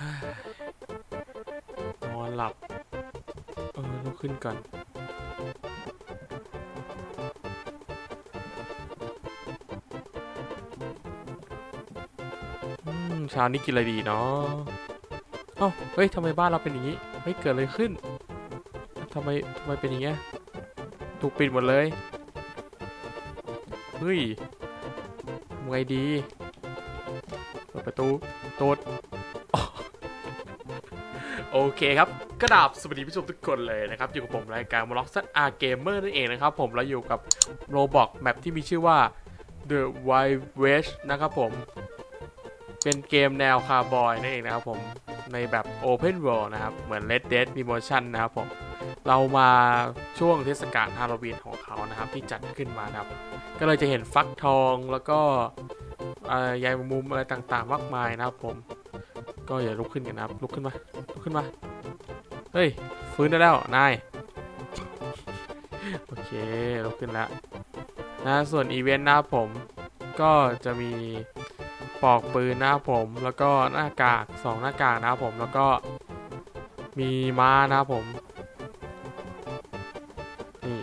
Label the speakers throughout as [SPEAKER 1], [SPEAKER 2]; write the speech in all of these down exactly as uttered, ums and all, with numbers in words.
[SPEAKER 1] นอนหลับเออลุกขึ้นก่อนเช้านี้กินอะไรดีเนาะเอ้าเฮ้ยทำไมบ้านเราเป็นอย่างนี้เฮ้ยเกิดอะไรขึ้นทำไมทำไมเป็นอย่างเงี้ยถูกปิดหมดเลยเฮ้ยทำไงดีเปิดประตูตูดโอเคครับกระดาบสวัสดีผู้ชมทุกคนเลยนะครับอยู่กับผมรายการมล็อกซัดอาร์เกมเมอร์นั่นเองนะครับผมเราอยู่กับโรบอกแมปที่มีชื่อว่า The Wild West นะครับผมเป็นเกมแนวคาร์บอยนั่นเองนะครับผมในแบบ Open World นะครับเหมือน Red Dead Redemption นะครับผมเรามาช่วงเทศกาลฮาโลวีนของเขานะครับที่จัดขึ้นมานะครับก็เลยจะเห็นฟักทองแล้วก็ใยมุมอะไรต่างๆมากมายนะครับผมก็อย่าลุกขึ้นกันนะครับลุกขึ้นมาลุกขึ้นมาเฮ้ยฟื้นได้แล้วนายโอเคลุกขึ้นแล้วนะส่วนอีเวนต์นะครับผมก็จะมีปอกปืนนะครับผมแล้วก็หน้ากากสองหน้ากากนะครับผมแล้วก็มีม้านะครับผมนี่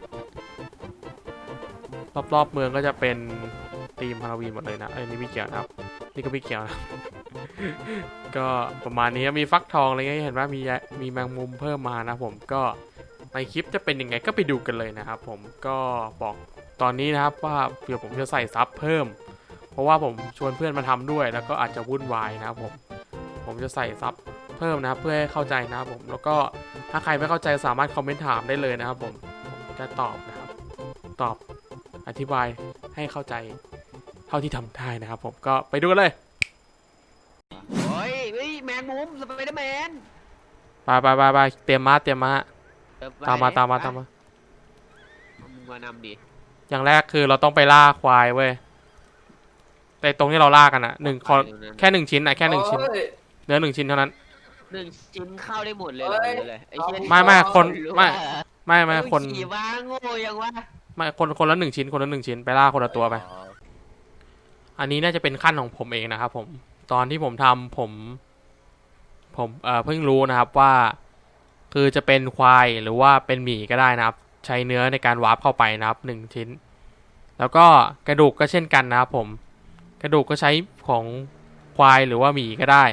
[SPEAKER 1] รอบๆเมืองก็จะเป็นธีมฮาโลวีนหมดเลยนะเอ้ยนี่ไม่เกี่ยวนะครับนี่ก็ไม่เกี่ยวนะ ก็ประมาณนี้มีฟักทองอะไรเงี้ยเห็นว่ามีมีแมงมุมเพิ่มมานะผมก็ในคลิปจะเป็นยังไงก็ไปดูกันเลยนะครับผมก็บอกตอนนี้นะครับว่าเดี๋ยวผมจะใส่ซับเพิ่มเพราะว่าผมชวนเพื่อนมาทำด้วยแล้วก็อาจจะวุ่นวายนะครับผมผมจะใส่ซับเพิ่มนะครับเพื่อให้เข้าใจนะครับผมแล้วก็ถ้าใครไม่เข้าใจสามารถคอมเมนต์ถามได้เลยนะครับผมผมจะตอบนะครับตอบอธิบายให้เข้าใจเท่าที่ทำได้นะครับผมก็ไปดูกันเลย
[SPEAKER 2] โอ้ยเฮ้ยแมงมุมสไปเดอร์แมน
[SPEAKER 1] ไปไปไปไปเตรียมม้าเตรียมม้าตามมาตามมาตามมา
[SPEAKER 2] มึงมานำดิ
[SPEAKER 1] อย่างแรกคือเราต้องไปล่าควายเว้ยแต่ตรงที่เราล่ากันอ่ะหนึ่งแค่หนึ่งชิ้นอ่ะแค่หนึ่งชิ้นเนื้อหนึ่งชิ้นเท่านั้น
[SPEAKER 2] หนึ่งชิ้นเข้าได้หมดเลยเหรอเลย
[SPEAKER 1] ไม่ไม่คนไม่ไม่ไม่คน
[SPEAKER 2] ขี่ม้าโง่ยังวะ
[SPEAKER 1] ไม่คนคนละหนึ่งชิ้นคนละหนึ่งชิ้นไปล่าคนละตัวไปอันนี้น่าจะเป็นขั้นของผมเองนะครับผมตอนที่ผมทำผมผมเอ่อเพิ่งรู้นะครับว่าคือจะเป็นควายหรือว่าเป็นหมีก็ได้นะครับใช้เนื้อในการวาร์ปเข้าไปนะครับหนึ่งชิ้นแล้วก็กระดูกก็เช่นกันนะครับผมกระดูกก็ใช้ของควายหรือว่าหมีก็ได้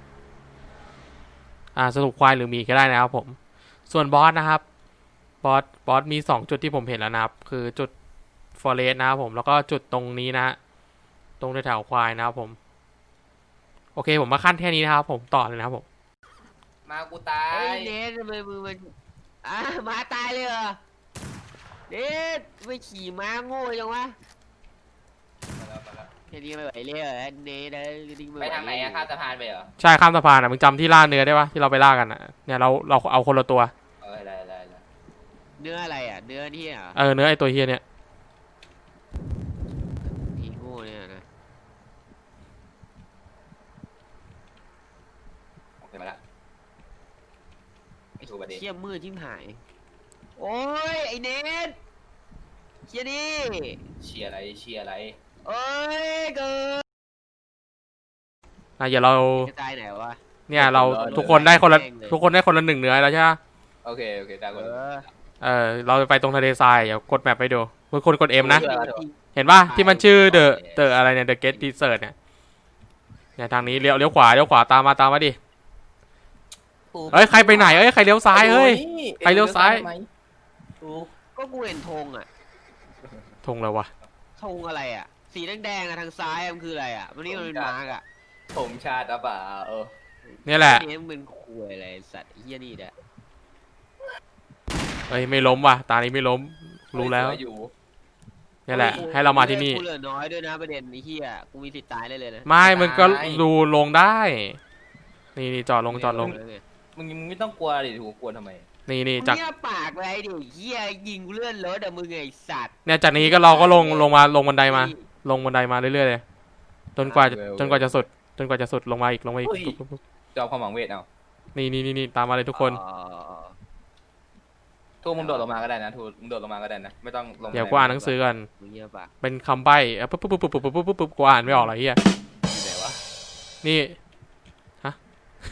[SPEAKER 1] อ่าสรุปควายหรือหมีก็ได้นะครับผมส่วนบอสนะครับบอสบอสมีสองจุดที่ผมเห็นแล้วนะครับคือจุดฟอเรสต์นะครับผมแล้วก็จุดตรงนี้นะตรงแถวควายนะครับผมโอเคผมมาขั้นแค่นี้นะครับผมต่อเลยนะครับผม
[SPEAKER 3] มากูตาย
[SPEAKER 2] เฮ้ยเนททำไมมือมันอ่ะมาตายเลยเหรอเนทไม่ขี่ม้าโง่ยังวะแค่นี้ไม่ไหวเลยเหรอเนท
[SPEAKER 3] ไปทางไหนอะข้ามสะพานไปเหรอ
[SPEAKER 1] ใช่ข้ามสะพานอ่ะมึงจำที่ล่าเนื้อได้ปะที่เราไปล่ากันอ่ะเนี่ยเราเราเอาคนละตัว
[SPEAKER 3] เออได้ได้
[SPEAKER 2] เนื้ออะไรอ่ะเนื้อที่อ่ะ
[SPEAKER 1] เออเนื้อไอตัวเฮียเนี่ย
[SPEAKER 2] ที่โง่เนี่ยนะ
[SPEAKER 3] โอเคมาละไอ้ชูประเดี๋ยว
[SPEAKER 2] เชี่ยมืดทิ่มหายโอ้ยไอเนทเชี่ยดิ
[SPEAKER 3] เชียร์อะไรเชียร์อะไร
[SPEAKER 2] โอ้ยเกิด
[SPEAKER 1] อ่ะอย่าเรา
[SPEAKER 2] จะตายไหนวะ
[SPEAKER 1] เนี่ยเราทุกคนได้คนละทุกคนได้คนละหนึ่งเนื้อแล้วใช่ไหม
[SPEAKER 3] โอเคโอเคได้คน
[SPEAKER 1] เออเราไปตรงทะเลทรายเดี๋ยวกดแมปไปดูทุกคนกดเอ็มนะเห็นป่ะที่มันชื่อเดอะเดอะอะไรเนี่ยเดอะเกตดีเซอร์เนี่ยเนี่ยทางนี้เลี้ยวเลี้ยวขวาเลี้ยวขวาตามมาตามมาดิเฮ้ยใครไปไหนเอ้ยใครเลี้ยวซ้ายเฮ้ยใครเลี้ยวซ้าย
[SPEAKER 2] ก็กูเห็นธงอ่ะ
[SPEAKER 1] ธงอะไรวะ
[SPEAKER 2] ธงอะไรอ่ะสีแดงๆอะทางซ้ายมันคืออะไรอ่ะวันนี้มันเป็นมาร์กอ่ะ
[SPEAKER 3] ผมชาติอ่ะป่าเออ
[SPEAKER 1] นี่แหละ
[SPEAKER 2] นี่มันเป็นคุยอะไรสัตว์เฮียนี่แหละ
[SPEAKER 1] เฮ้ยไม่ล้มว่ะตานี้ไม่ล้มรู้แล้วนี่แหละให้เรามาที่นี่
[SPEAKER 2] กูเหลือน้อยด้วยนะประเด็นไอ้เฮียกูมีสิทธิ์ตายได้เลยนะ
[SPEAKER 1] ไม่มึงก็ดูลงได้นี่นี่จอดลงจอดลง
[SPEAKER 3] มึงไม่ต้องกลัวดิถูกกลัวทำไม
[SPEAKER 1] นี่นี่จาก
[SPEAKER 2] เนี่ยปากไรดิเฮียยิงเลื่อนรถอะมึงไอ้สัตว์
[SPEAKER 1] เนี่ยจากนี้ก็เราก็ลงลงมาลงบันไดมาลงบันไดมาเรื่อยๆเลยจนกว่าจนกว่าจะสุดจนกว่าจะสุดลงมาอีกลงมาอีก
[SPEAKER 3] จอมความหวังเวทเอา
[SPEAKER 1] นี่นี่นี่ตามมาเลยทุกคน
[SPEAKER 3] ทูมึงโดดลงมาก็ได้นะทูมึงโดดลงมาก็ได้นะไม่ต้องลง
[SPEAKER 1] เดี๋ยวกูอ่านหนังสือกันเป็นคำใบ้ปุ๊บปุ๊บปุ๊บปุ๊บปุ๊บปุ๊บปุ๊บกูอ่านไม่ออกหรอเฮีย
[SPEAKER 3] ไหนวะ
[SPEAKER 1] นี่ฮะ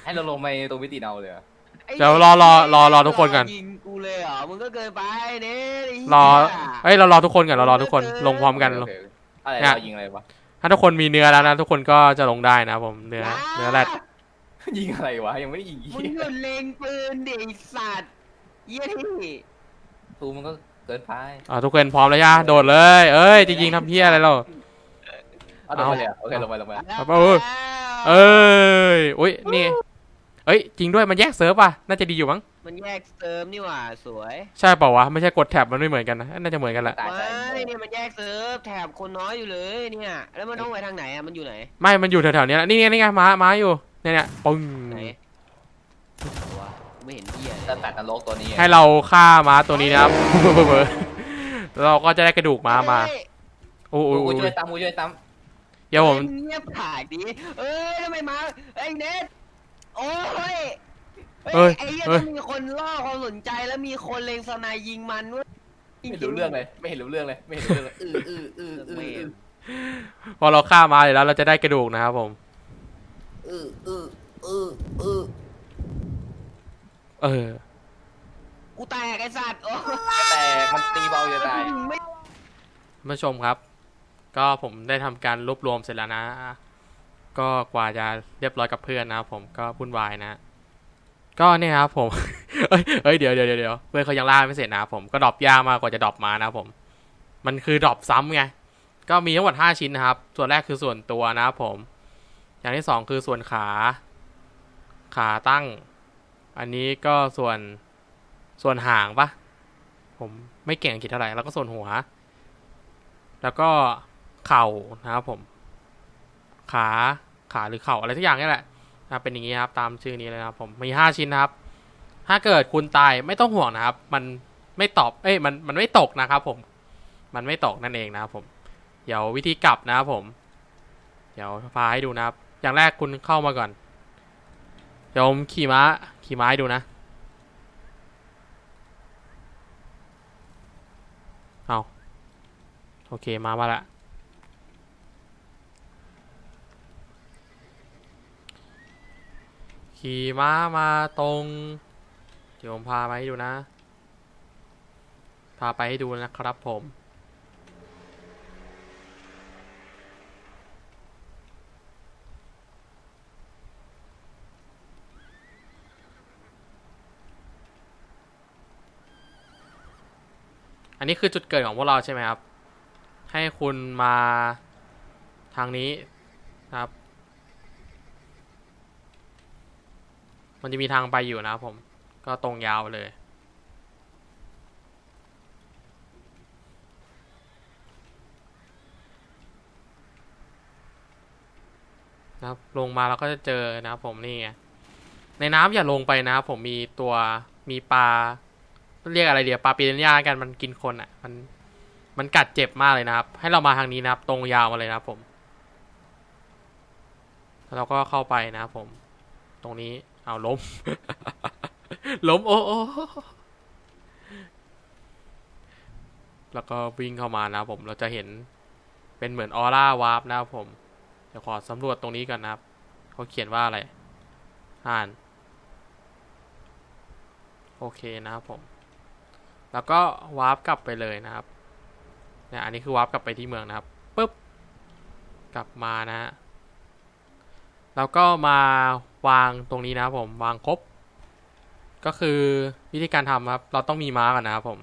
[SPEAKER 3] ให้เราลงไปตรงมิติเอาเลยเหรอ
[SPEAKER 2] ไอ้
[SPEAKER 1] เดี๋ยวรอรอรอรอทุกคนก่อน
[SPEAKER 2] ยิงกูเลยเหรอมึงก็เกินไปเน็ตไเหี้ย
[SPEAKER 1] รอเอ้ยเรารอทุกคนก่อนเรารอทุกคนลงพร้อมกัน
[SPEAKER 3] โอ
[SPEAKER 1] ลง
[SPEAKER 3] เคอะไร
[SPEAKER 1] เนี่ย
[SPEAKER 3] เรายิงอะไรวะ
[SPEAKER 1] ถ้าทุกคนมีเนื้อแล้วนะทุกคนก็จะลงได้นะผมเนื้อเนื้อแรด
[SPEAKER 3] ยิงอะไรวะยังไม่ได้ยิง
[SPEAKER 2] มึงหยุดเล็งปืนดิไอ้สัตว์เยี่ยที่
[SPEAKER 3] ตูมันก็เกินไป
[SPEAKER 1] อ่าทุกคนพร้อมแล้วย่าโดดเลยเอ้ยจะยิงทำเพี้ยอะไรเรา
[SPEAKER 3] เอาลงไปเลยอะโอเคลงไปลงไป
[SPEAKER 1] ครับเออ เอ้ยอุ้ยนี่เอ้ยจริงด้วยมันแยกเซิร์ฟอ่ะน่าจะดีอยู่มั้ง
[SPEAKER 2] มันแยกเซิร์ฟนี่หว่าสวย
[SPEAKER 1] ใช่เปล่าวะไม่ใช่กดแท็บมันไม่เหมือนกันนะน่าจะเหมือนกันแหละ
[SPEAKER 3] ตายใจ
[SPEAKER 2] ไม่เนี่ยมันแยกเซิร์ฟแถบคนน้อยอยู่เลยเนี่ยแล้วมันต้องไปทางไหนอ่ะมันอยู่ไหน
[SPEAKER 1] ไม่มันอยู่แถวๆเนี้ยแหละนี่ไงนี่ไงม้าม้าอยู่เนี่ยเนี่ยปึ้ง
[SPEAKER 2] ไหนวะไม่เห็นเหี้ย
[SPEAKER 3] จะตัดนรกตัวนี้
[SPEAKER 1] ให้เราฆ่าม้าตัวนี้นะครับ แล้วเราก็จะได้กระดูกม้ามา
[SPEAKER 2] เอ้ย
[SPEAKER 1] โอ้โห
[SPEAKER 3] กูช่วยซ้ำกูช่วยซ้
[SPEAKER 1] เดี๋ยวผม
[SPEAKER 2] เงียบผากดิเอ้ยทำไมมาไอ้เน็ตโอ้ย
[SPEAKER 1] เอ้ย
[SPEAKER 2] ไอ้เหี้ย
[SPEAKER 1] เอ้ย
[SPEAKER 2] ต้องมีคนล่อความสนใจแล้วมีคนเล็งสไนยิงมันด้วย
[SPEAKER 3] ำไม่เห็นรู้เรื่องเลยไม่เห็นรู้เรื่องเลยไม่เห็นรู้เรื่องเลยอืออืออืออืออือ
[SPEAKER 1] พอเราฆ่าม้าเลยแล้วเราจะได้กระดูกนะครับผม
[SPEAKER 3] อืออืออืออือ
[SPEAKER 1] เออ
[SPEAKER 2] กูแตกไอ้สัตว์โอ้
[SPEAKER 3] แต่มันตีเบาจะตาย
[SPEAKER 2] ไม่
[SPEAKER 1] ผู้ชมครับ ก็ผมได้ทำการรวบรวมเสร็จแล้วนะ ก็กว่าจะเรียบร้อยกับเพื่อนนะครับผมก็วุ่นวายนะ ก็เนี่ยครับผม เอ้ยเอ้ยเดี๋ยวเดี๋ยวเดี๋ยวเพื่อนเขายังล่าไม่เสร็จนะครับผมก็ดรอปยากมากกว่าจะดรอปมานะครับผม มันคือดรอปซ้ำไงก็มีทั้งหมดห้าชิ้นนะครับ ส่วนแรกคือส่วนตัวนะครับผม อย่างที่สองคือส่วนขา ขาตั้ง อันนี้ก็ส่วนส่วนหางปะผมไม่เก่งอังกฤษเท่าไหร่แล้วก็ส่วนหัว แล้วก็เข่านะครับผม ขาขาหรือเข่าอะไรทุกอย่างนี่แหละนะเป็นอย่างนี้ครับตามชื่อนี้เลยนะครับผมมีห้าชิ้นนะครับ ถ้าเกิดคุณตายไม่ต้องห่วงนะครับ มันไม่ตอบเอ้ยมันมันไม่ตกนะครับผม มันไม่ตกนั่นเองนะครับผม เดี๋ยววิธีกลับนะครับผม เดี๋ยวพาให้ดูนะครับ อย่างแรกคุณเข้ามาก่อน เดี๋ยวผมขี่ม้าขี่ม้าให้ดูนะเอาโอเคมามาละขี่ม้ามาตรง เดี๋ยวผมพาไปให้ดูนะ พาไปให้ดูนะครับผม อันนี้คือจุดเกิดของพวกเราใช่ไหมครับ ให้คุณมาทางนี้นะครับ มันจะมีทางไปอยู่นะครับผม ก็ตรงยาวไปเลยนะครับลงมาเราก็จะเจอนะครับผมนี่ไงในน้ำอย่าลงไปนะครับผมมีตัวมีปลาเรียกอะไรเดี๋ยวปลาปีนัญญากันมันกินคนอ่ะมันมันกัดเจ็บมากเลยนะครับ ให้เรามาทางนี้นะครับ ตรงยาวมาเลยนะครับผมแล้วเราก็เข้าไปนะครับผม ตรงนี้เอาล้ม ล้มโอ้โอ้แล้วก็วิ่งเข้ามานะครับผมเราจะเห็นเป็นเหมือนออร่าวาร์ปนะครับผมเดี๋ยวขอสำรวจตรงนี้ก่อนนะครับเขาเขียนว่าอะไรอ่านโอเคนะครับผมแล้วก็วาร์ปกลับไปเลยนะครับเนี่ยอันนี้คือวาร์ปกลับไปที่เมืองนะครับปุ๊บกลับมานะฮะแล้วก็มาวางตรงนี้นะครับผมวางครบก็คือวิธีการทำครับเราต้องมีม้าก่อนนะครับผม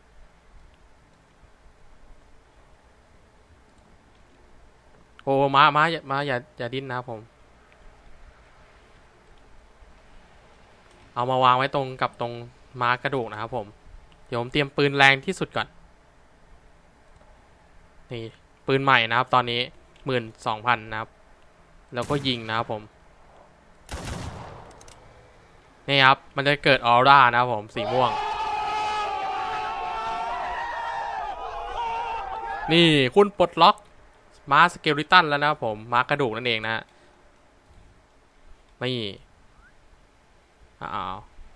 [SPEAKER 1] โอ้ม้าม้าอย่าม้าอย่าอย่าดิ้นนะครับผมเอามาวางไว้ตรงกับตรงม้ากระดูกนะครับผมเดี๋ยวผมเตรียมปืนแรงที่สุดก่อนนี่ปืนใหม่นะครับตอนนี้หมื่นสองพันนะครับแล้วก็ยิงนะครับผมนี่ครับมันจะเกิดออร่านะครับผมสีม่วงนี่คุณปลดล็อกม้าสเกลิตันแล้วนะครับผมม้ากระดูกนั่นเองนะฮะนี่อ้าว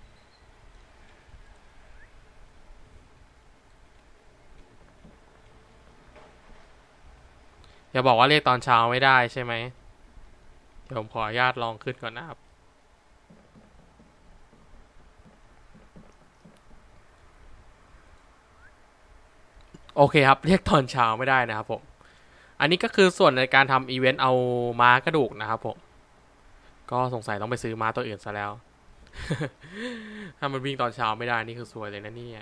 [SPEAKER 1] อย่าบอกว่าเรียกตอนเช้าไม่ได้ใช่ไหมเดี๋ยวผมขออนุญาตลองขึ้นก่อนนะครับโอเคครับเรียกตอนเช้าไม่ได้นะครับผมอันนี้ก็คือส่วนในการทำอีเวนต์เอาม้ากระดูกนะครับผมก็สงสัยต้องไปซื้อม้าตัวอื่นซะแล้ว ถ้ามันวิ่งตอนเช้าไม่ได้นี่คือซวยเลยนะเนี่ย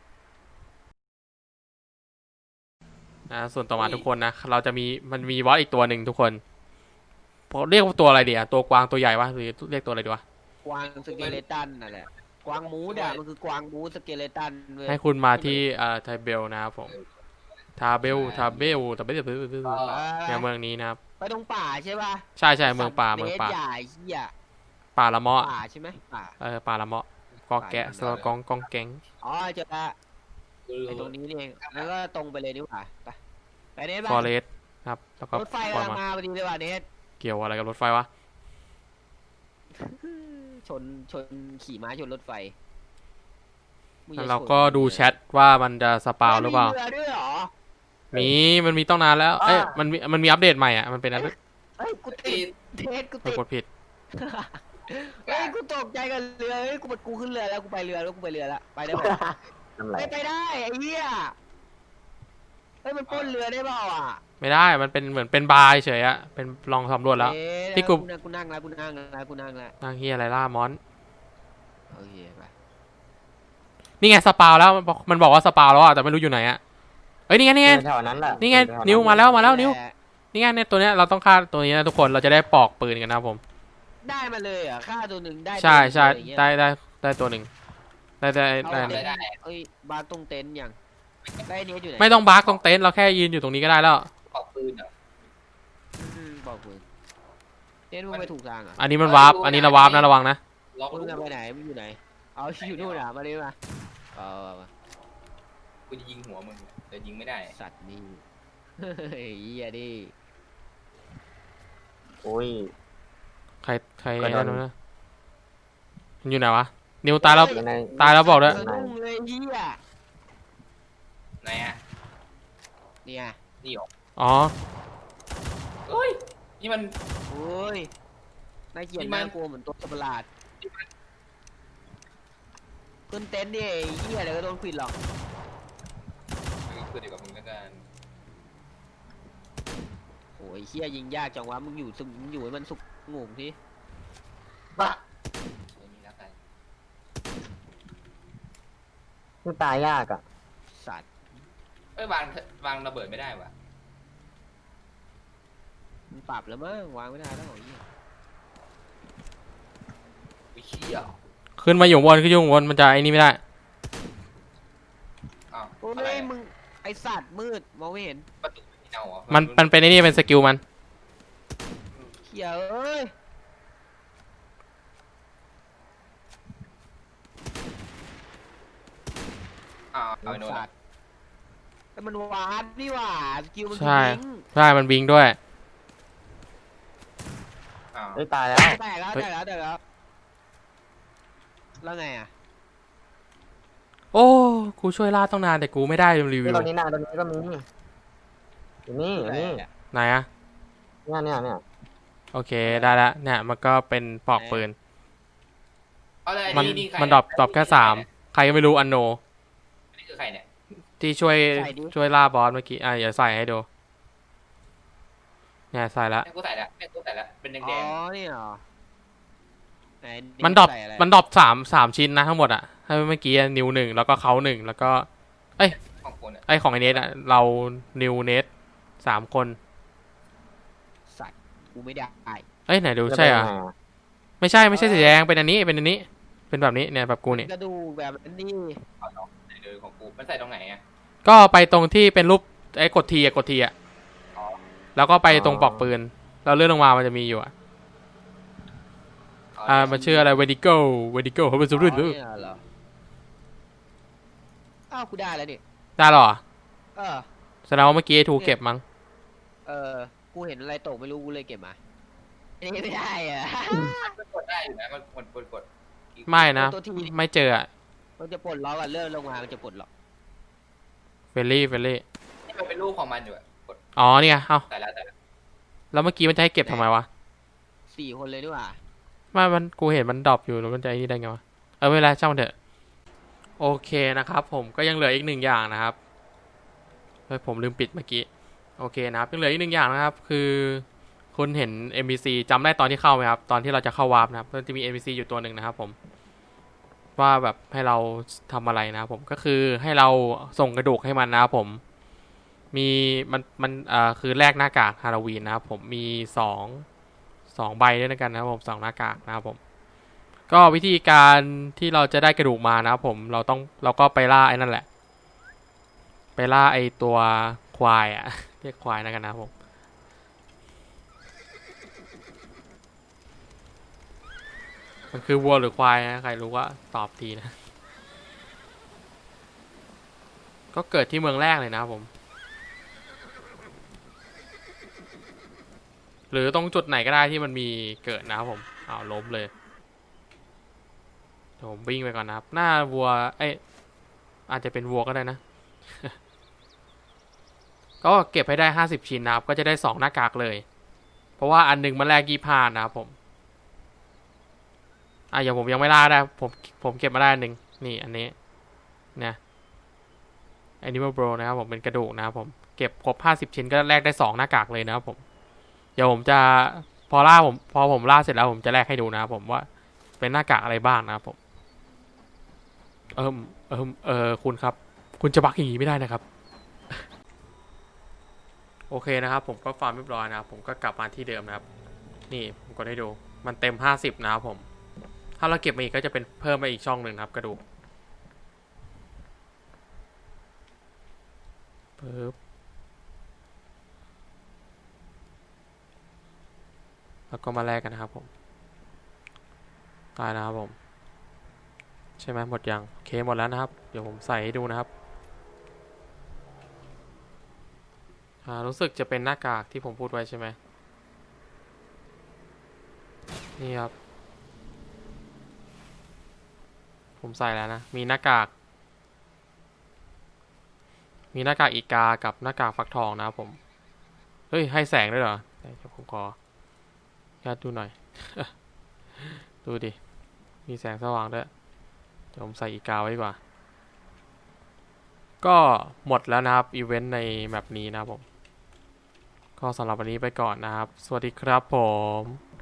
[SPEAKER 1] นะส่วนต่อมาทุกคนนะเราจะมีมันมีบอสอีกตัวหนึ่งทุกคนเรียกว่าตัวอะไรดีอะตัวกวางตัวใหญ่วะหรือเรียกตัวอะไรดีวะ
[SPEAKER 2] กวางสเกเลตันนั่นแหละกวางมูดอ่ะมันคือกวางมูดสเกเลตันเว้ย
[SPEAKER 1] ให้คุณมาที่เอ่อไทเบลนะครับผมทาเบลทาเบลทาเบลเนี่ยเมืองนี้นะครับ
[SPEAKER 2] ไปตรงป่าใช่ป่ะ
[SPEAKER 1] ใช่ใช่เมืองป่าเมืองป่า
[SPEAKER 2] ใหญ่เหี้ย
[SPEAKER 1] ป่าละเมาะ
[SPEAKER 2] ป่าใช่ไหมป่า
[SPEAKER 1] เออป่าละเมาะกอแกะสลกองกองแกง
[SPEAKER 2] อ๋อเจอละไอตรงนี้นี่เองแล้วก็ตรงไปเลยดีกว่าไปไปเนส
[SPEAKER 1] ฟอ
[SPEAKER 2] บ้าง
[SPEAKER 1] เรสครับแล้วก็
[SPEAKER 2] รถไฟ
[SPEAKER 1] ปล่อย
[SPEAKER 2] กำลัง
[SPEAKER 1] มา
[SPEAKER 2] มาพอดีเลยว่ะเนส
[SPEAKER 1] เกี่ยวอะไรกับรถไฟวะ
[SPEAKER 2] ชนชนขี่ม้าชนรถไฟมึง
[SPEAKER 1] แล้ว
[SPEAKER 2] จะ
[SPEAKER 1] เรา
[SPEAKER 2] ชน
[SPEAKER 1] ก็ดูแชทว่ามันจะสปาวหรือเปล่า
[SPEAKER 2] มีเรือด้วยเหรอ
[SPEAKER 1] มีมันมีต้องนานแล้วเอ้ยมันมีมันมีอัปเดตใหม่อ่ะมันเป็นอัปเดต
[SPEAKER 2] เฮ้ยกูติดเนสกู
[SPEAKER 1] ไป
[SPEAKER 2] ติด
[SPEAKER 1] กดผิด
[SPEAKER 2] เฮ้ยกูตกใจกับเรือเฮ้ยกูกูขึ้นเรือแล้วกูไปเรือแล้วกูไปเรือแล้วไปได้ปะ
[SPEAKER 3] ทำไร
[SPEAKER 2] ไปไปได้ไอ้เหี้ยเฮ้ยมันปล้นเรือได้เปล่าอ่ะ
[SPEAKER 1] ไม่ได้มันเป็นเหมือนเป็นบาร์เฉยอะเป็นลองสำรวจแล้ว
[SPEAKER 2] เอ๊ะ
[SPEAKER 1] ที่กู
[SPEAKER 2] นั่งกูนั่งแล้วกูนั่งแล้วกูนั่งแล้ว
[SPEAKER 1] นางเฮียอะไรล่ามอน
[SPEAKER 2] โอเคไป
[SPEAKER 1] นี่ไงสปาวแล้วมันบอกมันบอกว่าสปาวแล้วอ่ะแต่ไม่รู้อยู่ไหนอ่ะเอ้ยนี่ไงนี่ไง
[SPEAKER 3] แถวนั้นแหละ
[SPEAKER 1] นี่ไงนิ้วมาแล้วมาแล้วนิ้วนี่ไงเนี่ยตัวเนี้ยเราต้องฆ่าตัวนี้นะทุกคนเราจะได้ปอกปืนกันนะครับผม
[SPEAKER 2] ได้มาเลยเหรอ่ะฆ่าตัวหนึ่งได้
[SPEAKER 1] ใช่ใช่
[SPEAKER 2] ตัวหนึ่ง
[SPEAKER 1] ได้ได้ได้ตัวหนึ่งได้ได้
[SPEAKER 2] เอา
[SPEAKER 1] ได้
[SPEAKER 2] เต็นท์เอ้ยบาร์ตรงเต็นท์ยังได้เนี้ยอยู่ไหน
[SPEAKER 1] ไม่ต้องบาร์กตรงเต็นท์เราแค่ยืนอยู่ตรงนี้ก็ได้แล้ว
[SPEAKER 4] ปอกปืนเหรอ
[SPEAKER 2] อืมบอกมึงเต็นท์มึงไปถูกทางเหรอ่ะ
[SPEAKER 1] อันนี้มันวาร์ปอันนี้เราวาร์ปนะระวังนะ
[SPEAKER 4] ล็อก
[SPEAKER 2] มึง
[SPEAKER 4] ลูก
[SPEAKER 2] จะไปไหนมึงอยู่ไหนเอาอยู่นู่นอ่ะมาเลยมาเออมา
[SPEAKER 4] กูจะยิงหัวมึงแต่ยิงไม่ได้
[SPEAKER 2] สัตว์นี่เฮ้ยเหี้ยดิ
[SPEAKER 3] โอ้ย
[SPEAKER 1] ใครใคร
[SPEAKER 3] กระโดด
[SPEAKER 1] นั่นนะมันอยู่ไหนวะนิวตายแล้ว
[SPEAKER 3] อยู่ใน
[SPEAKER 1] ตายแล้วบอกด้วย
[SPEAKER 2] สะดุ้งเลยเหี้ย
[SPEAKER 4] ไหนอ่ะ
[SPEAKER 2] เนี่ย
[SPEAKER 4] นี่หรอ
[SPEAKER 1] อ๋อ
[SPEAKER 4] เฮ้ยนี่มัน
[SPEAKER 2] โอ้ยน่าเกลียด
[SPEAKER 4] นี่มัน
[SPEAKER 2] น่ากลัวเหมือนตัวสัตว์ประหลาดขึ้นเต็นท์ดิไอ้เหี้ยเดี๋ยวก็โดนขวิดหรอก
[SPEAKER 4] คือเดียวกับมึงแล้วกัน
[SPEAKER 2] โอ้ยเหี้ยยิงยากจังวะมึงอยู่สุมึงอยู่ให้มันสุกงงที
[SPEAKER 3] บ้า
[SPEAKER 4] ไอ้นี่แล้วกัน
[SPEAKER 3] คือตายยากอ่ะ
[SPEAKER 2] สัตว์
[SPEAKER 4] เอ้ยวางวางระเบิดไม่ได้วะ
[SPEAKER 2] มันปรับแล้วมั้งวางไม่ได้แล้วไอ้เหี้ย
[SPEAKER 4] วิเชี่ย
[SPEAKER 1] ขึ้นมาอยู่บนขึ้นอยู่บนมันจะไอ้นี่ไม่ได้
[SPEAKER 4] อ้าว
[SPEAKER 2] โอ้
[SPEAKER 4] อะไร
[SPEAKER 2] ย
[SPEAKER 4] อะ
[SPEAKER 2] มึงไอสัตว์มืดมองไม่เห็น
[SPEAKER 4] ประตูไม่เอาเหรอ
[SPEAKER 1] มันมันเป็นไอ้นี่เป็นสกิลมัน
[SPEAKER 2] เหี้ยเอ้ย
[SPEAKER 4] อ้าวเอาไปโน่น
[SPEAKER 2] สั
[SPEAKER 4] อะ
[SPEAKER 2] ตว์แต่มันวาร์ปนี่หว่าสกิลมัน
[SPEAKER 1] ใช่
[SPEAKER 2] คือลิงก์
[SPEAKER 1] ใช่มันบิงด้วย
[SPEAKER 4] อ้าว
[SPEAKER 3] เฮ้ยตายแล้ว
[SPEAKER 2] แตกแล้ว
[SPEAKER 1] เฮ้ย
[SPEAKER 2] แตกแล้วแตกแล้วแล้วไงอ่ะ
[SPEAKER 1] โอ้กูช่วยล่าต้องนานแต่กูไม่ได้รีวิ
[SPEAKER 3] นี่
[SPEAKER 1] ว
[SPEAKER 3] ตรงนี้นะตรงนี้ก็มีอยู่นี่อยู่นี่
[SPEAKER 1] ไหนอะ
[SPEAKER 3] เนี่ยเนี่ยเนี่ย
[SPEAKER 1] โอเคได้ละเนี่ยมันก็เป็นปอกปืน
[SPEAKER 4] เอาเลย
[SPEAKER 1] มัน
[SPEAKER 4] นี่ใคร
[SPEAKER 1] มันดรอปดรอปแค่สามใครก็ไม่รู้อันโน
[SPEAKER 4] นี่คือใครเนี่ย
[SPEAKER 1] ที่ช่วยช่วยล่าบอสเมื่อกี้อ่ะอย่าใส่ให้ดูเนี่ยใส่ละ
[SPEAKER 4] แม่กูใส่ละแม่กูใส่ละเป็นแด
[SPEAKER 2] อ๋อง นี่เหรอไห
[SPEAKER 1] มันดรอป
[SPEAKER 2] ใส่ะไ
[SPEAKER 1] มันดรอปสามสามชิ้นนะทั้งหมดอะให้เมื่อกี้นิวหนึ่งแล้วก็เขาหนึ่งแล้วก็
[SPEAKER 4] ๆของคนอ่ะ
[SPEAKER 1] ไอของไอเนสอะเรานิวเนสสามคน
[SPEAKER 2] สัตว์กูไม่ได้
[SPEAKER 1] เอ้ยไหนดูใช่อ่ะ
[SPEAKER 3] จเป็นยังไง
[SPEAKER 1] ไม่ใช่ไม่ใช่สีแดงเป็นอันนี้เป็นอันนี้ เป็นแบบนี้เนี่ยแบบกูเนี่ย
[SPEAKER 2] กระดูกแบบนี้
[SPEAKER 4] เอาเนาะไหนเลยของกูมันใส่ตรงไหนอ่ะ
[SPEAKER 1] ก็ไปตรงที่เป็นรูปไอ้กดทีอะกดทีอะ
[SPEAKER 4] อ๋อ
[SPEAKER 1] แล้วก็ไปตรงปลอกปืนแล้วเลื่อนลงมามันจะมีอยู่อะอ่ามันชื่ออะไรเวดิโก้เวดิโก้เขาเป็นสุดรุ่น
[SPEAKER 2] อ๋อเนี่ยเหรออ้าวกูได้แล้วนี่
[SPEAKER 1] ได้หรอ
[SPEAKER 2] เออ
[SPEAKER 1] แสดงว่าเมื่อกี้ไอ้ทูเก็บมั้ง
[SPEAKER 2] เออ กูเห็นอะไรตกไม่รู้กูเลยเก็บมาอันนี้ไม่ได้อะ
[SPEAKER 4] มันกดได้อยู่นะมันกดกดกด
[SPEAKER 1] ไม่นะ
[SPEAKER 2] ตัวทีนี่
[SPEAKER 1] ไม่เจออะ
[SPEAKER 2] มันจะปลดล็อกอะเลื่อนลงมามันจะปลดล็อก
[SPEAKER 1] เฟลลี่เฟลลี่
[SPEAKER 4] นี่มันเป็นรูปของมันอยู่อะกด
[SPEAKER 1] อ๋อเนี่ยเอ้า
[SPEAKER 4] ใส่ละใส่ละ
[SPEAKER 1] แล้วเมื่อกี้มันจะให้เก็บทำไมวะ
[SPEAKER 2] สี่คนเลยดีกว่า
[SPEAKER 1] ไม่มันกูเห็นมันดรอปอยู่แล้วมันจะไอ้นี่ได้ไงวะเออไม่เป็นไรช่างมันเถอะโอเคนะครับผมก็ยังเหลืออีกหนึ่งอย่างนะครับเฮ้ยผมลืมปิดเมื่อกี้โอเคนะครับยังเหลืออีกหนึ่งอย่างนะครับคือคุณเห็น เอ็ม บี ซี จำได้ตอนที่เข้าไหมครับตอนที่เราจะเข้าวาร์ปนะครับมันจะมี เอ็ม บี ซี อยู่ตัวหนึ่งนะครับผมว่าแบบให้เราทำอะไรนะครับผมก็คือให้เราส่งกระดูกให้มันนะครับผมมีมันมันเอ่อคือแลกหน้ากากฮาโลวีนนะครับผมมีสองสองใบด้วยกันนะครับผมสองหน้ากากนะครับผมก็วิธีการที่เราจะได้กระดูกมานะครับผมเราต้องเราก็ไปล่าไอ้นั่นแหละไปล่าไอ้ตัวควายอะ เรียกควายแล้วกันนะครับผมมันคือวัวหรือควายนะใครรู้ว่าตอบทีนะ ก็เกิดที่เมืองแรกเลยนะครับผมหรือตรงจุดไหนก็ได้ที่มันมีเกิดนะครับผมอ้าวล้มเลยเดี๋ยวผมวิ่งไปก่อนนะครับหน้าวัวเอ้ยอาจจะเป็นวัวก็ได้นะ ก็เก็บให้ได้ห้าสิบชิ้นนะครับก็จะได้สองหน้ากากเลยเพราะว่าอันหนึงมันแลกยี่ห้านะครับผมอ่ะอย่างผมยังไม่ล่าได้ผมผมเก็บมาได้อันหนึ่งนี่อันนี้เนี่ย Animal Bro นะครับผมเป็นกระดูกนะครับผมเก็บครบห้าสิบชิ้นก็แลกได้สองหน้ากากเลยนะครับผมเดี๋ยวผมจะพอล่าผมพอผมล่าเสร็จแล้วผมจะแลกให้ดูนะครับผมว่าเป็นหน้ากากอะไรบ้างนะครับผมเอิมเอิมเออคุณครับคุณจะบักอย่างนี้ไม่ได้นะครับ โอเคนะครับผมก็ฟาร์มเรียบร้อยนะครับผมก็กลับมาที่เดิมนะครับนี่ผมก็ได้ดูมันเต็มห้าสิบนะครับผมถ้าเราเก็บมาอีกก็จะเป็นเพิ่มไปอีกช่องหนึ่งครับกระดูกปึ๊บแล้วก็มาแลกกันนะครับผมตายนะครับผมใช่ไหมหมดยังโอเคหมดแล้วนะครับเดี๋ยวผมใส่ให้ดูนะครับอ่ารู้สึกจะเป็นหน้ากากที่ผมพูดไว้ใช่ไหมนี่ครับผมใส่แล้วนะมีหน้ากากมีหน้ากากอีกากับหน้ากากฟักทองนะครับผมเฮ้ยให้แสงด้วยเหรอเดี๋ยวผมขอญาติดูหน่อย ดูดิมีแสงสว่างด้วยเดี๋ยวผมใส่อีกาไว้ดีกว่าก็หมดแล้วนะครับอีเวนต์ในแมปนี้นะครับผมก็สำหรับวันนี้ไปก่อนนะครับสวัสดีครับผม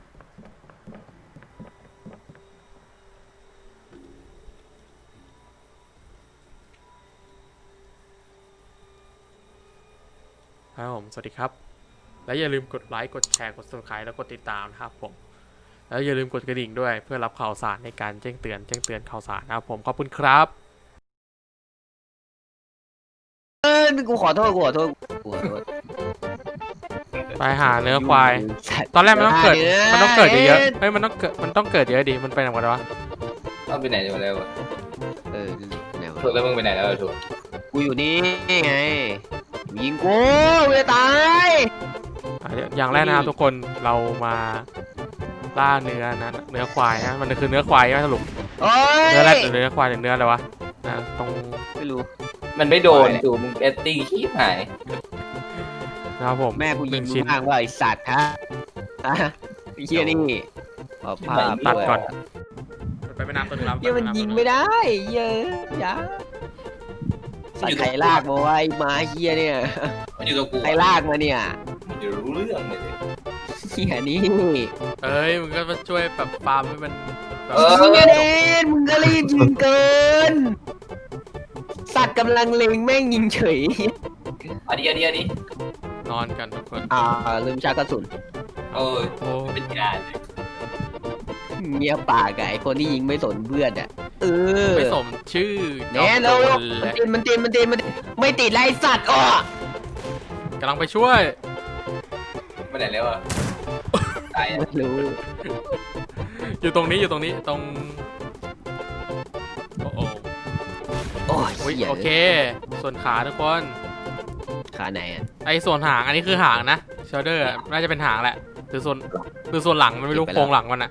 [SPEAKER 1] ครับผมสวัสดีครับและอย่าลืมกดไลค์กดแชร์กด Subscribe แล้วกดติดตามนะครับผมแล้วอย่าลืมกดกระดิ่งด้วยเพื่อรับข่าวสารในการแจ้งเตือนแจ้งเตือนข่าวสารนะครับผมขอบคุณครับ
[SPEAKER 2] เออกูขอโทษกูขอโทษกูขอโทษ
[SPEAKER 1] ไปหาเนื้อควาย ตอนแรกมันต้องเกิด มันต้องเกิดเยอะๆ เฮ้ย มันต้องเกิด มันต้องเกิดเยอะดิ มันไปไหนหมดวะ
[SPEAKER 4] เอาไปไหนหมดแล้ววะ
[SPEAKER 2] เออไหนวะ
[SPEAKER 4] ถูกแล้วมึงไปไหนแล้วถูก
[SPEAKER 2] กูอยู่นี่ไงยิงกูกูจะตาย
[SPEAKER 1] อ่ะอย่างแรกนะครับทุกคน เรามาล่าเนื้อนะ เนื้อควายนะ มันคือเนื้อควายใช่ไหมสรุป
[SPEAKER 2] โอ้ย
[SPEAKER 1] เนื้อแรดหรือเนื้อควายหรือเนื้ออะไรวะนะตรง
[SPEAKER 2] ไม่รู้
[SPEAKER 4] มันไม่โดนถูกมึงเอตติ้งขี้หาย
[SPEAKER 1] นะครับผม
[SPEAKER 2] แม่กูยิง
[SPEAKER 1] หนึ่
[SPEAKER 2] มึ
[SPEAKER 1] ชิ้
[SPEAKER 2] ง
[SPEAKER 1] น
[SPEAKER 2] มากว่าไอสัตว์ฮะฮะไอ้เฮียนี่เอาภาพ
[SPEAKER 1] ตัด
[SPEAKER 2] ด้วย
[SPEAKER 1] ก่อน ไปไปน้ำตัวนึงแล้ว
[SPEAKER 2] เฮียมันยิงไม่ได้เฮียอยาสัตว์ใครลากมาไว้มาเฮียเนี่ย
[SPEAKER 4] มันอยู่กับกู
[SPEAKER 2] ใครลากมาเนี่ย
[SPEAKER 4] มันจะรู้เรื่องเลย
[SPEAKER 2] เฮียนี่
[SPEAKER 1] เอ้ย มึงก็มาช่วยแบบฟาร์มให้มันแบบ
[SPEAKER 4] เออ
[SPEAKER 2] เฮียเดนมึงก็รีบยิงเกิน สัตว์กำลังเล็งแม่งยิงเฉย
[SPEAKER 4] อันนี้อันนี้อันนี้
[SPEAKER 1] นอนกันทุกคน
[SPEAKER 2] อ่าลืมชาร์จกระสุน
[SPEAKER 4] โอ้ย
[SPEAKER 1] โอ้
[SPEAKER 4] เป็นยาเลย
[SPEAKER 2] เมียป่าไก่คนที่ยิงไม่สนเพื่อนอ่ะเออ
[SPEAKER 1] ไม่สมชื่อ
[SPEAKER 2] แน่แล้ว
[SPEAKER 1] จอมโจร
[SPEAKER 2] มัน
[SPEAKER 1] และ
[SPEAKER 2] ติดมันติดมันติดมันติดไม่ติดไรสัตว์อ้อก
[SPEAKER 1] ำลังไปช่วย
[SPEAKER 4] ไปไหนแล้วอ่ะตายอ่ะ
[SPEAKER 2] ไม่รู้
[SPEAKER 1] อยู่ตรงนี้อยู่ตรงนี้ตรงโอ้โห
[SPEAKER 2] โอ้ย
[SPEAKER 1] อุ๊ย
[SPEAKER 2] เหี้ย
[SPEAKER 1] โอเค ส่วนขาทุกคน
[SPEAKER 2] ขาไหนอ่ะ
[SPEAKER 1] ไอ้ส่วนหางอันนี้คือหางนะเชลเดอร์น่าจะเป็นหางแหละหรือส่วนหรือส่วนหลังมันไม่รู้โครงหลังมันอะ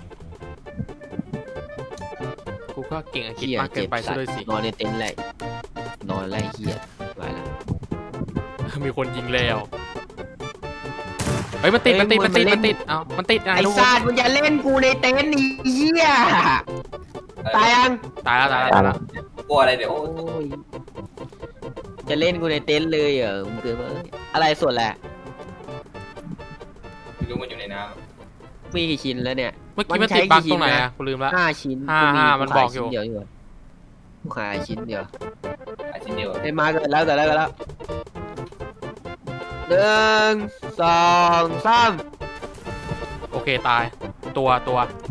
[SPEAKER 1] กูก็เก่งอังกฤษ
[SPEAKER 2] เฮีย
[SPEAKER 1] มากเกิ
[SPEAKER 2] เจ็
[SPEAKER 1] น
[SPEAKER 2] บ
[SPEAKER 1] ไป
[SPEAKER 2] สั
[SPEAKER 1] ซะ
[SPEAKER 2] ต
[SPEAKER 1] ด้วย
[SPEAKER 2] ว์
[SPEAKER 1] สิ
[SPEAKER 2] นอนในเต็นท์เลยนอนไล่เฮียไปละ
[SPEAKER 1] มีคนยิงแล้วเฮ้ยมันติดมันติดมันติดมันติดเอ้ามันติดไง
[SPEAKER 2] ไอ้
[SPEAKER 1] ทุกค
[SPEAKER 2] สั
[SPEAKER 1] น
[SPEAKER 2] ตว์มึงอย่าเล่นกูในเต็นท์นี่เฮียตายยัง
[SPEAKER 1] ตายแล้วตายแล้วตายแล้ว
[SPEAKER 4] กลัวอะไรเดี๋ยว
[SPEAKER 2] โอ้ยจะเล่นกูในเต็นท์เลยเหรอมึงเกินมาอะไรส่วนแหละ
[SPEAKER 4] ไม่รู้มันอยู่ในน้
[SPEAKER 2] มีกี่ชิ้นแล้วเนี่ย
[SPEAKER 1] เมื่อกี้
[SPEAKER 2] มั
[SPEAKER 1] มัน
[SPEAKER 2] นใช้
[SPEAKER 1] ติดบั๊ก
[SPEAKER 2] กี่ชิ้
[SPEAKER 1] ตรงไหน
[SPEAKER 2] นนะ
[SPEAKER 1] อะกูลืมละ
[SPEAKER 2] ห้าชิ้น
[SPEAKER 1] ห้าห้ามันบอกอยู่
[SPEAKER 2] ชิ้นเดียวดีกว่ากูขายชิ้นเดียว
[SPEAKER 4] ำอาชิ้นเดียว
[SPEAKER 2] เอ้ยมาเกิดแล้วเกิดแล้วเกิดแล้วหนึ่งสองสาม
[SPEAKER 1] โอเคตาย ตัวตัว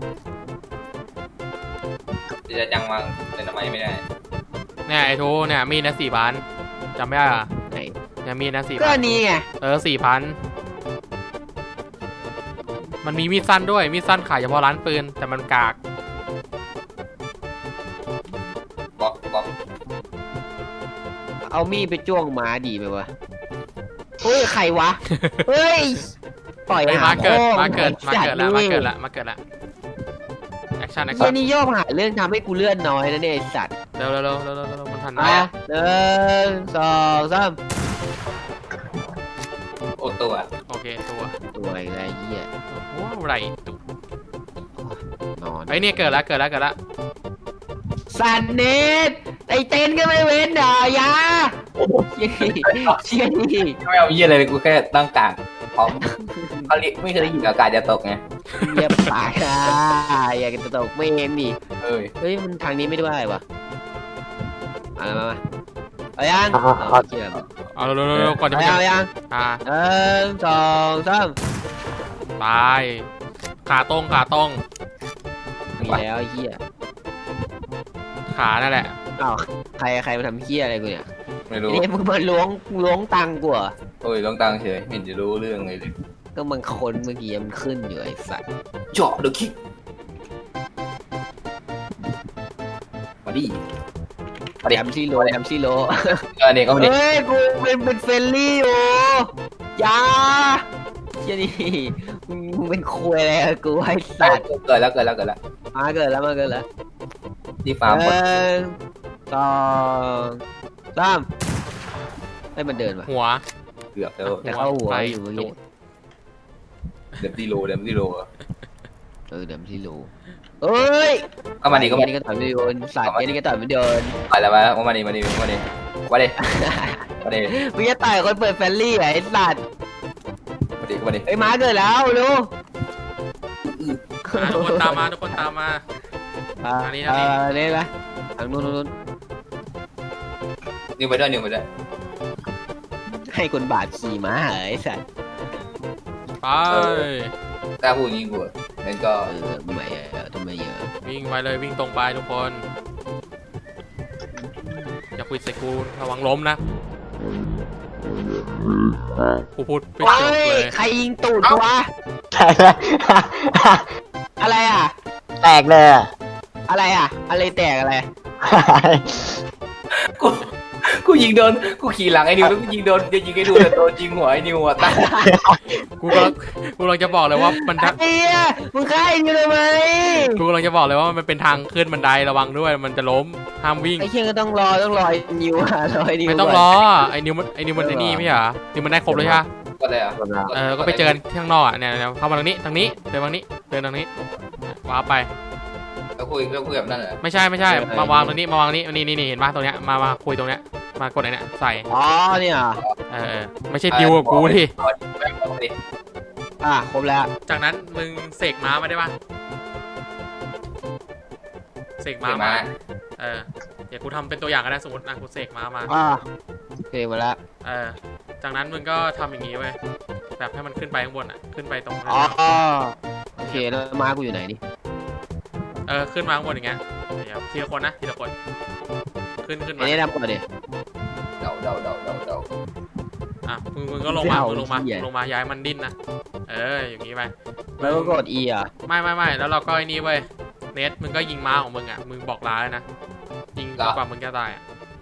[SPEAKER 4] จะจังมาแต่ทำไมไม่ได้
[SPEAKER 1] เนี่ยไอ้ทูเนี่ยมีดนะสี่พันจำไม่ได้เหรอ
[SPEAKER 2] ไหน
[SPEAKER 1] เนี่ยมีดนะสี่
[SPEAKER 2] ก็
[SPEAKER 1] พั
[SPEAKER 2] อั
[SPEAKER 1] น
[SPEAKER 2] นนี้ไง
[SPEAKER 1] เออสี่พันมันมีมีดสั้นด้วยมีดสั้นขายเฉพาะร้านปืนแต่มันกาก
[SPEAKER 4] บล็อกบล็อก
[SPEAKER 2] เอามีดไปจ้วงหมาดีไหมวะเฮ้ยใครวะ เฮ้ยปล่อย
[SPEAKER 1] เฮ้ย
[SPEAKER 2] หา
[SPEAKER 1] มาเกิด
[SPEAKER 2] พ่อ
[SPEAKER 1] มาเกิดมาเกิดแล้วมาเกิด
[SPEAKER 2] ละ
[SPEAKER 1] แล้วมาเกิดแล้วแอคชั่นแอค
[SPEAKER 2] เฮี
[SPEAKER 1] ชั่
[SPEAKER 2] ย
[SPEAKER 1] น
[SPEAKER 2] นี่โยกหาเรื่องทำให้กูเลื่อนน้อยนะเนี่ยไอสัตว์
[SPEAKER 1] เร็วเร็วเร็วเร็วเร็วเร็วมันทันไหม
[SPEAKER 2] อ่ะหนึ่งสองสาม
[SPEAKER 4] โอ้ตัว
[SPEAKER 1] โอเคตัว
[SPEAKER 2] ตัวอะไรเหี้ย
[SPEAKER 1] ว้าวไรตุ
[SPEAKER 2] นอน
[SPEAKER 1] ไอ้ยเนี่ยเกิดแล้วเกิดแล้วเกิดแล้ว
[SPEAKER 2] สันเนตไอเต้นก็ไม่เว้นด่ายาเชี่ยเชี่ยนี่
[SPEAKER 4] ไม่เอาเยี่ยอะไรเลยกูแค่ตั้งกาดพร้อมเขาเรียกไม่เคยได้ยินอากาศจะตกไง
[SPEAKER 2] เยียบปากอ่ะอยากจะตกไม่เองดิ
[SPEAKER 4] เอ้ย
[SPEAKER 2] เฮ้ยมันทางนี้ไม่ได้วะเอามามาเอายัง
[SPEAKER 3] อ่า
[SPEAKER 2] เอาเชี่ย
[SPEAKER 1] เอาเร็วเร็วเร็วเร็วก่อนจะ
[SPEAKER 2] เอา
[SPEAKER 1] ไป
[SPEAKER 2] ยังเอายัง
[SPEAKER 1] อ่า
[SPEAKER 2] หนึ่งสองสาม
[SPEAKER 1] ตายขาตรงขาตรง
[SPEAKER 2] มีแล้วไอ้เหี้ย
[SPEAKER 1] ขานั่นแหละ
[SPEAKER 2] อ้าวใครใครมาทำเหี้ยอะไรกูเนี่ย
[SPEAKER 4] ไม่รู้
[SPEAKER 2] นี่มึงมาล้วงล้วงตังค์กูเหรอ
[SPEAKER 4] โอ้ยลองตังเฉยไม่เห็นจะรู้เรื่องเลยเลย
[SPEAKER 2] ก็มันคนเมื่อกี้มันขึ้นอยู่ไอ้สัตว์
[SPEAKER 4] เจาะเดอะคิกมาดิมาดิ
[SPEAKER 2] แอมซี่โลแอมซี่โล
[SPEAKER 4] เออเนี่ยก็มาดิ
[SPEAKER 2] เฮ้ยกูเป็นเป็นเฟรนลี่อยู่อยาเชี่ยนี่มึงมึงเป็นคุยอะไรกับกูไอ้สัตว์
[SPEAKER 4] เกิดแล้วเกิดแล้วเกิดแล้ว
[SPEAKER 2] มาเกิดแล้วมาเกิดแล้ว
[SPEAKER 4] ที่ฟาร์ม
[SPEAKER 2] ห
[SPEAKER 4] หมด
[SPEAKER 2] นึ่งสองสามให้มันเดินมา
[SPEAKER 1] หัว
[SPEAKER 4] เกือบแล้ว
[SPEAKER 2] แต่เข้าหัว
[SPEAKER 1] ไป
[SPEAKER 2] อยู่เมื่อ
[SPEAKER 1] ดู
[SPEAKER 2] กี้
[SPEAKER 4] เดมที่โลเดมที่โล
[SPEAKER 2] เออเดี๋ยวที่รู้เอ้ย
[SPEAKER 4] ก็มาดิก็มาดิ
[SPEAKER 2] นี่ก็ต่อยไม่โดนสัตว์นี่ก็ต่อยไม่โดน
[SPEAKER 4] ไปแล้วมามาดิมาดิมาดิมาดิมาดิ
[SPEAKER 2] มึงจะต่อยคนเปิดแฟลลี่เหรอไอ้สัตว์
[SPEAKER 4] มาดิมาดิ
[SPEAKER 2] ไอ้ยหมาเกิดแล้วรู้
[SPEAKER 1] อ่ะทุกคนตามมาทุกคนตามมา
[SPEAKER 2] อ่า
[SPEAKER 1] ทางนี้ทางนี้
[SPEAKER 2] เออเล่นไหมทางนู้นนู้นนู้น
[SPEAKER 4] นิวไปด้วยนิวไปด้วย
[SPEAKER 2] ให้คนบาดขี่ม้าเหรอไอ้สัตว์
[SPEAKER 1] ไป
[SPEAKER 4] กล้าพูดอย่างนี้กูงั้นก็
[SPEAKER 2] เออทำไมเออทำไมเยอะ
[SPEAKER 1] วิ่งไปเลยวิ่งตรงไปทุกคนอย่าคุยใส่กูระวังล้มนะกูพูดไม่จบ
[SPEAKER 2] เฮ้ย
[SPEAKER 1] เลย
[SPEAKER 2] ใครยิงตูดกูวะ
[SPEAKER 3] แตกเลย
[SPEAKER 2] อะไรอ่ะ
[SPEAKER 3] แตกเลยอะ
[SPEAKER 2] อะไรอ่ะ อะไรแตกอะไร
[SPEAKER 4] กูกูยิงโดนกูขี่หลังไอ้นิวแล้วกูยิงโดนจะยิงไอ้ดูแต่โดนยิงหัวไอ้นิวอ่ะตาย
[SPEAKER 1] กูกำลังกูกำลังจะบอกเลยว่ามันทาง
[SPEAKER 2] ไอ้เหี้ยมึงฆ่าไอ้นี่เลยไหม
[SPEAKER 1] กูกำลังจะบอกเลยว่ามันเป็นทางขึ้นบันไดระวังด้วยมันจะล้มห้ามวิ่ง
[SPEAKER 2] ไอ้เชี่ยก็ต้องรอต้องรอไอ้นิวอ่ะรอไอ้นิว
[SPEAKER 1] ไม่ต้อง
[SPEAKER 2] ก่น
[SPEAKER 1] รอไอ้นิวมันไอ้นิวมันไอ้นี่ไม่ใช่เหรอนิวมันได้ครบเลยใช่ปะ
[SPEAKER 4] ก็เลยอ่ะ
[SPEAKER 1] เออก็ไปเจอกันที่ข้างนอกอ่ะเนี่ยเนี่ยเข้ามาทางนี้ทางนี้เดินทางนี้เดินทางนี้ว้าไป
[SPEAKER 4] แล้วคุยแล้วคุยแบบนั้นเหรอ
[SPEAKER 1] ไม่ใช่ไม่ใช่มาวางตรงนี้มาวางนี้นี่นี่นี่เห็นป่ะตรงเนี้ยมามาคุยตรงเนี้ยมากดไหนเนี่ยใส่
[SPEAKER 2] อ๋อเนี่ย
[SPEAKER 1] เออเออไม่ใช่ดิวกับกูที่
[SPEAKER 4] มาดิ
[SPEAKER 2] อ่ะครบแล้ว
[SPEAKER 1] จากนั้นมึงเสกม้ามาได้ป่ะเสกม้า
[SPEAKER 4] เดี๋ยว
[SPEAKER 1] มา
[SPEAKER 4] มา
[SPEAKER 1] เออเดี๋ยวกูทำเป็นตัวอย่างก็ได้สมมตินะกูเสกม้ามา
[SPEAKER 2] อ่ะโอเคมาแล้ว
[SPEAKER 1] เออจากนั้นมึงก็ทำอย่างนี้เว้ยแบบให้มันขึ้นไปข้างบนอ่ะขึ้นไปตรง
[SPEAKER 2] อ๋อโอเคแล้วม้ากูอยู่ไหนนี่
[SPEAKER 1] เออขึ้นมาข้างบนอย่างเงี้ยเดี๋ยวทีละคนนะทีละคนขึ้นขึ้น
[SPEAKER 2] ไอ้
[SPEAKER 1] มา
[SPEAKER 2] นี่ทำก่อนดิ
[SPEAKER 4] เดาเดาเดาเดาเดา
[SPEAKER 1] อ่ะมึงมึงก็ลงมา
[SPEAKER 2] เอา
[SPEAKER 1] มึงลงมา
[SPEAKER 2] เหี้ย
[SPEAKER 1] มึงลงมาย้ายมันดิ้นนะเอออย่างนี้ไป
[SPEAKER 2] แล้วก็กด E อ่ะ
[SPEAKER 1] ไม่ไม่ไม่แล้วเราก็ไอ้นี่เว้ยเนทมึงก็ยิงม้าของมึงอ่ะมึงบอกลาเลยนะยิงจนกว่ามึงจะตายอ่ะ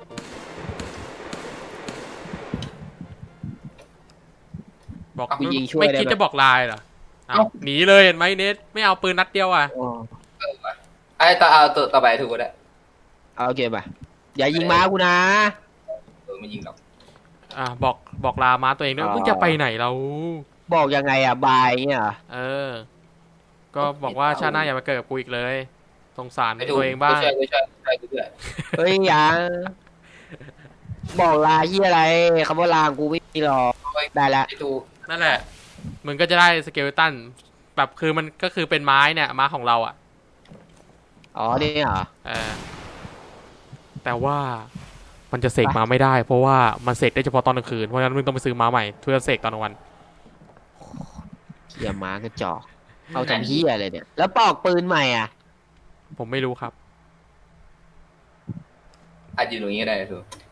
[SPEAKER 1] บอก
[SPEAKER 2] กูยิงช่วย
[SPEAKER 1] ไม่
[SPEAKER 2] ได้
[SPEAKER 1] คิด
[SPEAKER 2] ไหม
[SPEAKER 1] จะบอกลายเหรออ้าวหนีเลยเห็นไหมเนทไม่เอาปืนนัดเดียวอ่ะ
[SPEAKER 2] อ๋อ
[SPEAKER 4] ไอ้ต่อเอาตัวต่อไปถูกก็ได้
[SPEAKER 2] เอาโอเคป่ะอย่ายิงม้ากูนะ
[SPEAKER 4] เออไม่ยิงหรอก
[SPEAKER 1] อ่ะบอกบอกลาม้าตัวเองด้วย
[SPEAKER 2] อ๋อ
[SPEAKER 1] มึงจะไปไหนเรา
[SPEAKER 2] บอกยังไงอ่ะบายเงี้ยเหรอ
[SPEAKER 1] เออ ก็บอกว่าชาติหน้าอย่ามาเกิดกับกูอีกเลยสงสาร
[SPEAKER 4] ไม่ถูก
[SPEAKER 1] ตัวเองบ้าง
[SPEAKER 4] ช่วยช่วยช่วยช่วย
[SPEAKER 2] เฮ้ยอย่าบอกลาที่อะไรคำว่าลากูไม่มีหรอกได้แล้ว
[SPEAKER 4] ไอ้ตู
[SPEAKER 1] นั่นแหละมึงก็จะได้สเกลตันแบบคือมันก็คือเป็นไม้เนี่ยไม้ของเราอ่ะ
[SPEAKER 2] อ๋อนี่เหรอ
[SPEAKER 1] เออแต่ว่ามันจะเสกมาไม่ได้ เพราะว่ามันเสกได้เฉพาะตอนกลางคืนเพราะฉะนั้นมึงต้องไปซื้อม้าใหม่เพื่อเสกตอนกลางวัน
[SPEAKER 2] เขี่ยม้ากระจอกเอาทำเฮียอะไรเนี่ยแล้วปอกปืนใหม่อ่ะ
[SPEAKER 1] ผมไม่รู้ครับ
[SPEAKER 4] อาจจะอยู่ตรงนี้ก็ได้ตู